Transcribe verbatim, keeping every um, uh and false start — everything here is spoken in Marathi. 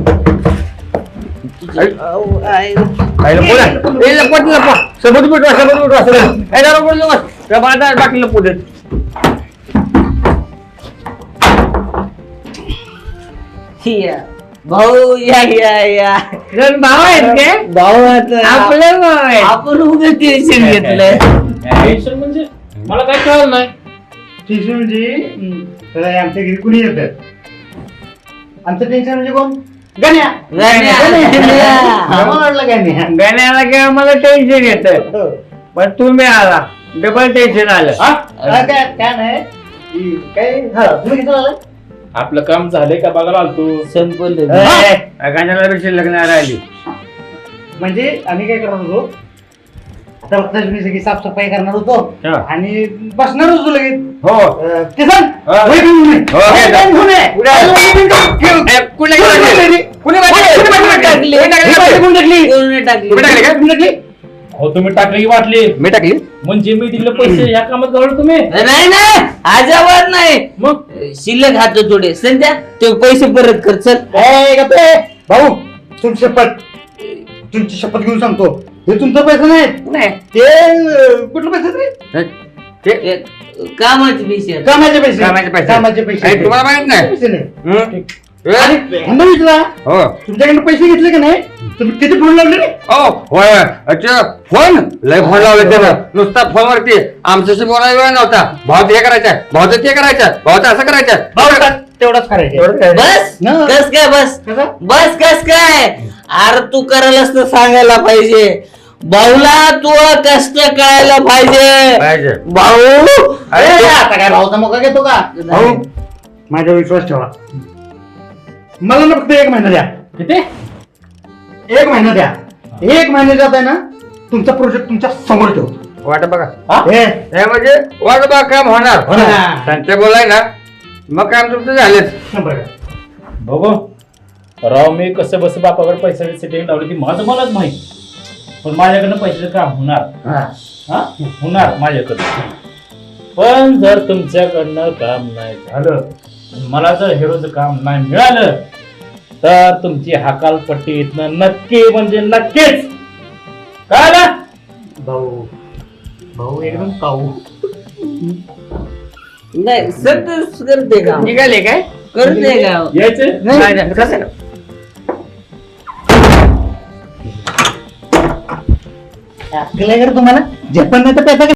भाऊ या या या भाऊ आहेत काय? भाऊ आपलं भाऊ आहे. आपण उगाच टेन्शन घेतलंय. टेन्शन म्हणजे मला काय कळलं नाही. टेन्शन म्हणजे आमच्या घरी कुणी येत आमचं टेन्शन म्हणजे कोण गण्या वाटलं गण्या गाण्याला किंवा मला टेन्शन येत पण तुम्ही आला डबल टेन्शन आलं. काय नाही काय तुम्ही किती आलाय आपलं काम झालंय का बघायला आलतो. संपलं गाण्याला पेक्षा लग्न राहिली म्हणजे आम्ही काय करणार होतो तर मी सगळी साफसफाई करणार होतो आणि बसणार होतो लगेच. हो किसन हो तुम्ही टाकली की वाटली मी टाकली म्हणजे मी दिले पैसे या कामात घालवलं तुम्ही. नाही नाही आजावर नाही मग शिल्लक हात थोडे संध्या ते पैसे परत कर चल. भाऊ तुमची शपथ तुमची शपथ घेऊन सांगतो हे तुमचं पैसे नाही ते कुठलं पैसे ते कामाचे पैसे कामाचे पैसे कामाचे पैसे. कामाचे पैसे तुम्हाला माहित नाही पैसे नाही हं? आणि ह्यांना विचारा हो तुमच्याकडे पैसे घेतले का नाही तुम्ही किती फोन लावले रे ओ होय अच्छा फोन लय फोन लावले त्यानं नुसता फोन वरती आमच्याशी बोलायला वेळ नव्हता भाऊ ते करायचं भाऊचं ते करायचं भाऊचं असं करायचं भाऊ तेवढंच करायचं बस न. कस काय बस कसं? बस कस काय अरे तू करायलाच तर सांगायला पाहिजे भाऊला तू कष्ट कळायला पाहिजे पाहिजे. भाऊ अरे आता काय भाऊचा मोका घेतो का भाऊ माझ्यावर विश्वास ठेवा मला ना फक्त एक महिना द्या किती एक महिना द्या एक महिन्यात आहे ना तुमचा प्रोजेक्ट तुमच्या समोर ठेवतो वाट बघा हे हे म्हणजे वाट बघा काम होणार होणार. त्यांचे बोलाय ना मग काम तुमचं झालेच. शंभर बघू राव मी कसं बस बापाकडे पैशाची सेटिंग लावली ती माझं मलाच माहिती पण माझ्याकडनं पैशाचं काम होणार हा होणार माझ्याकडं. पण जर तुमच्याकडनं काम नाही झालं मला जर हिरोचं काम नाही मिळालं तर तुमची हकालपट्टी इथनं नक्की म्हणजे नक्कीच कळलं. भाऊ भाऊ एकदम काऊ नाही सतत करते का निघाले काय करते का यायचं नाही, नाही, कसं? अक्कल आहे का रे तुम्हाला जे पण नाही तर पैसा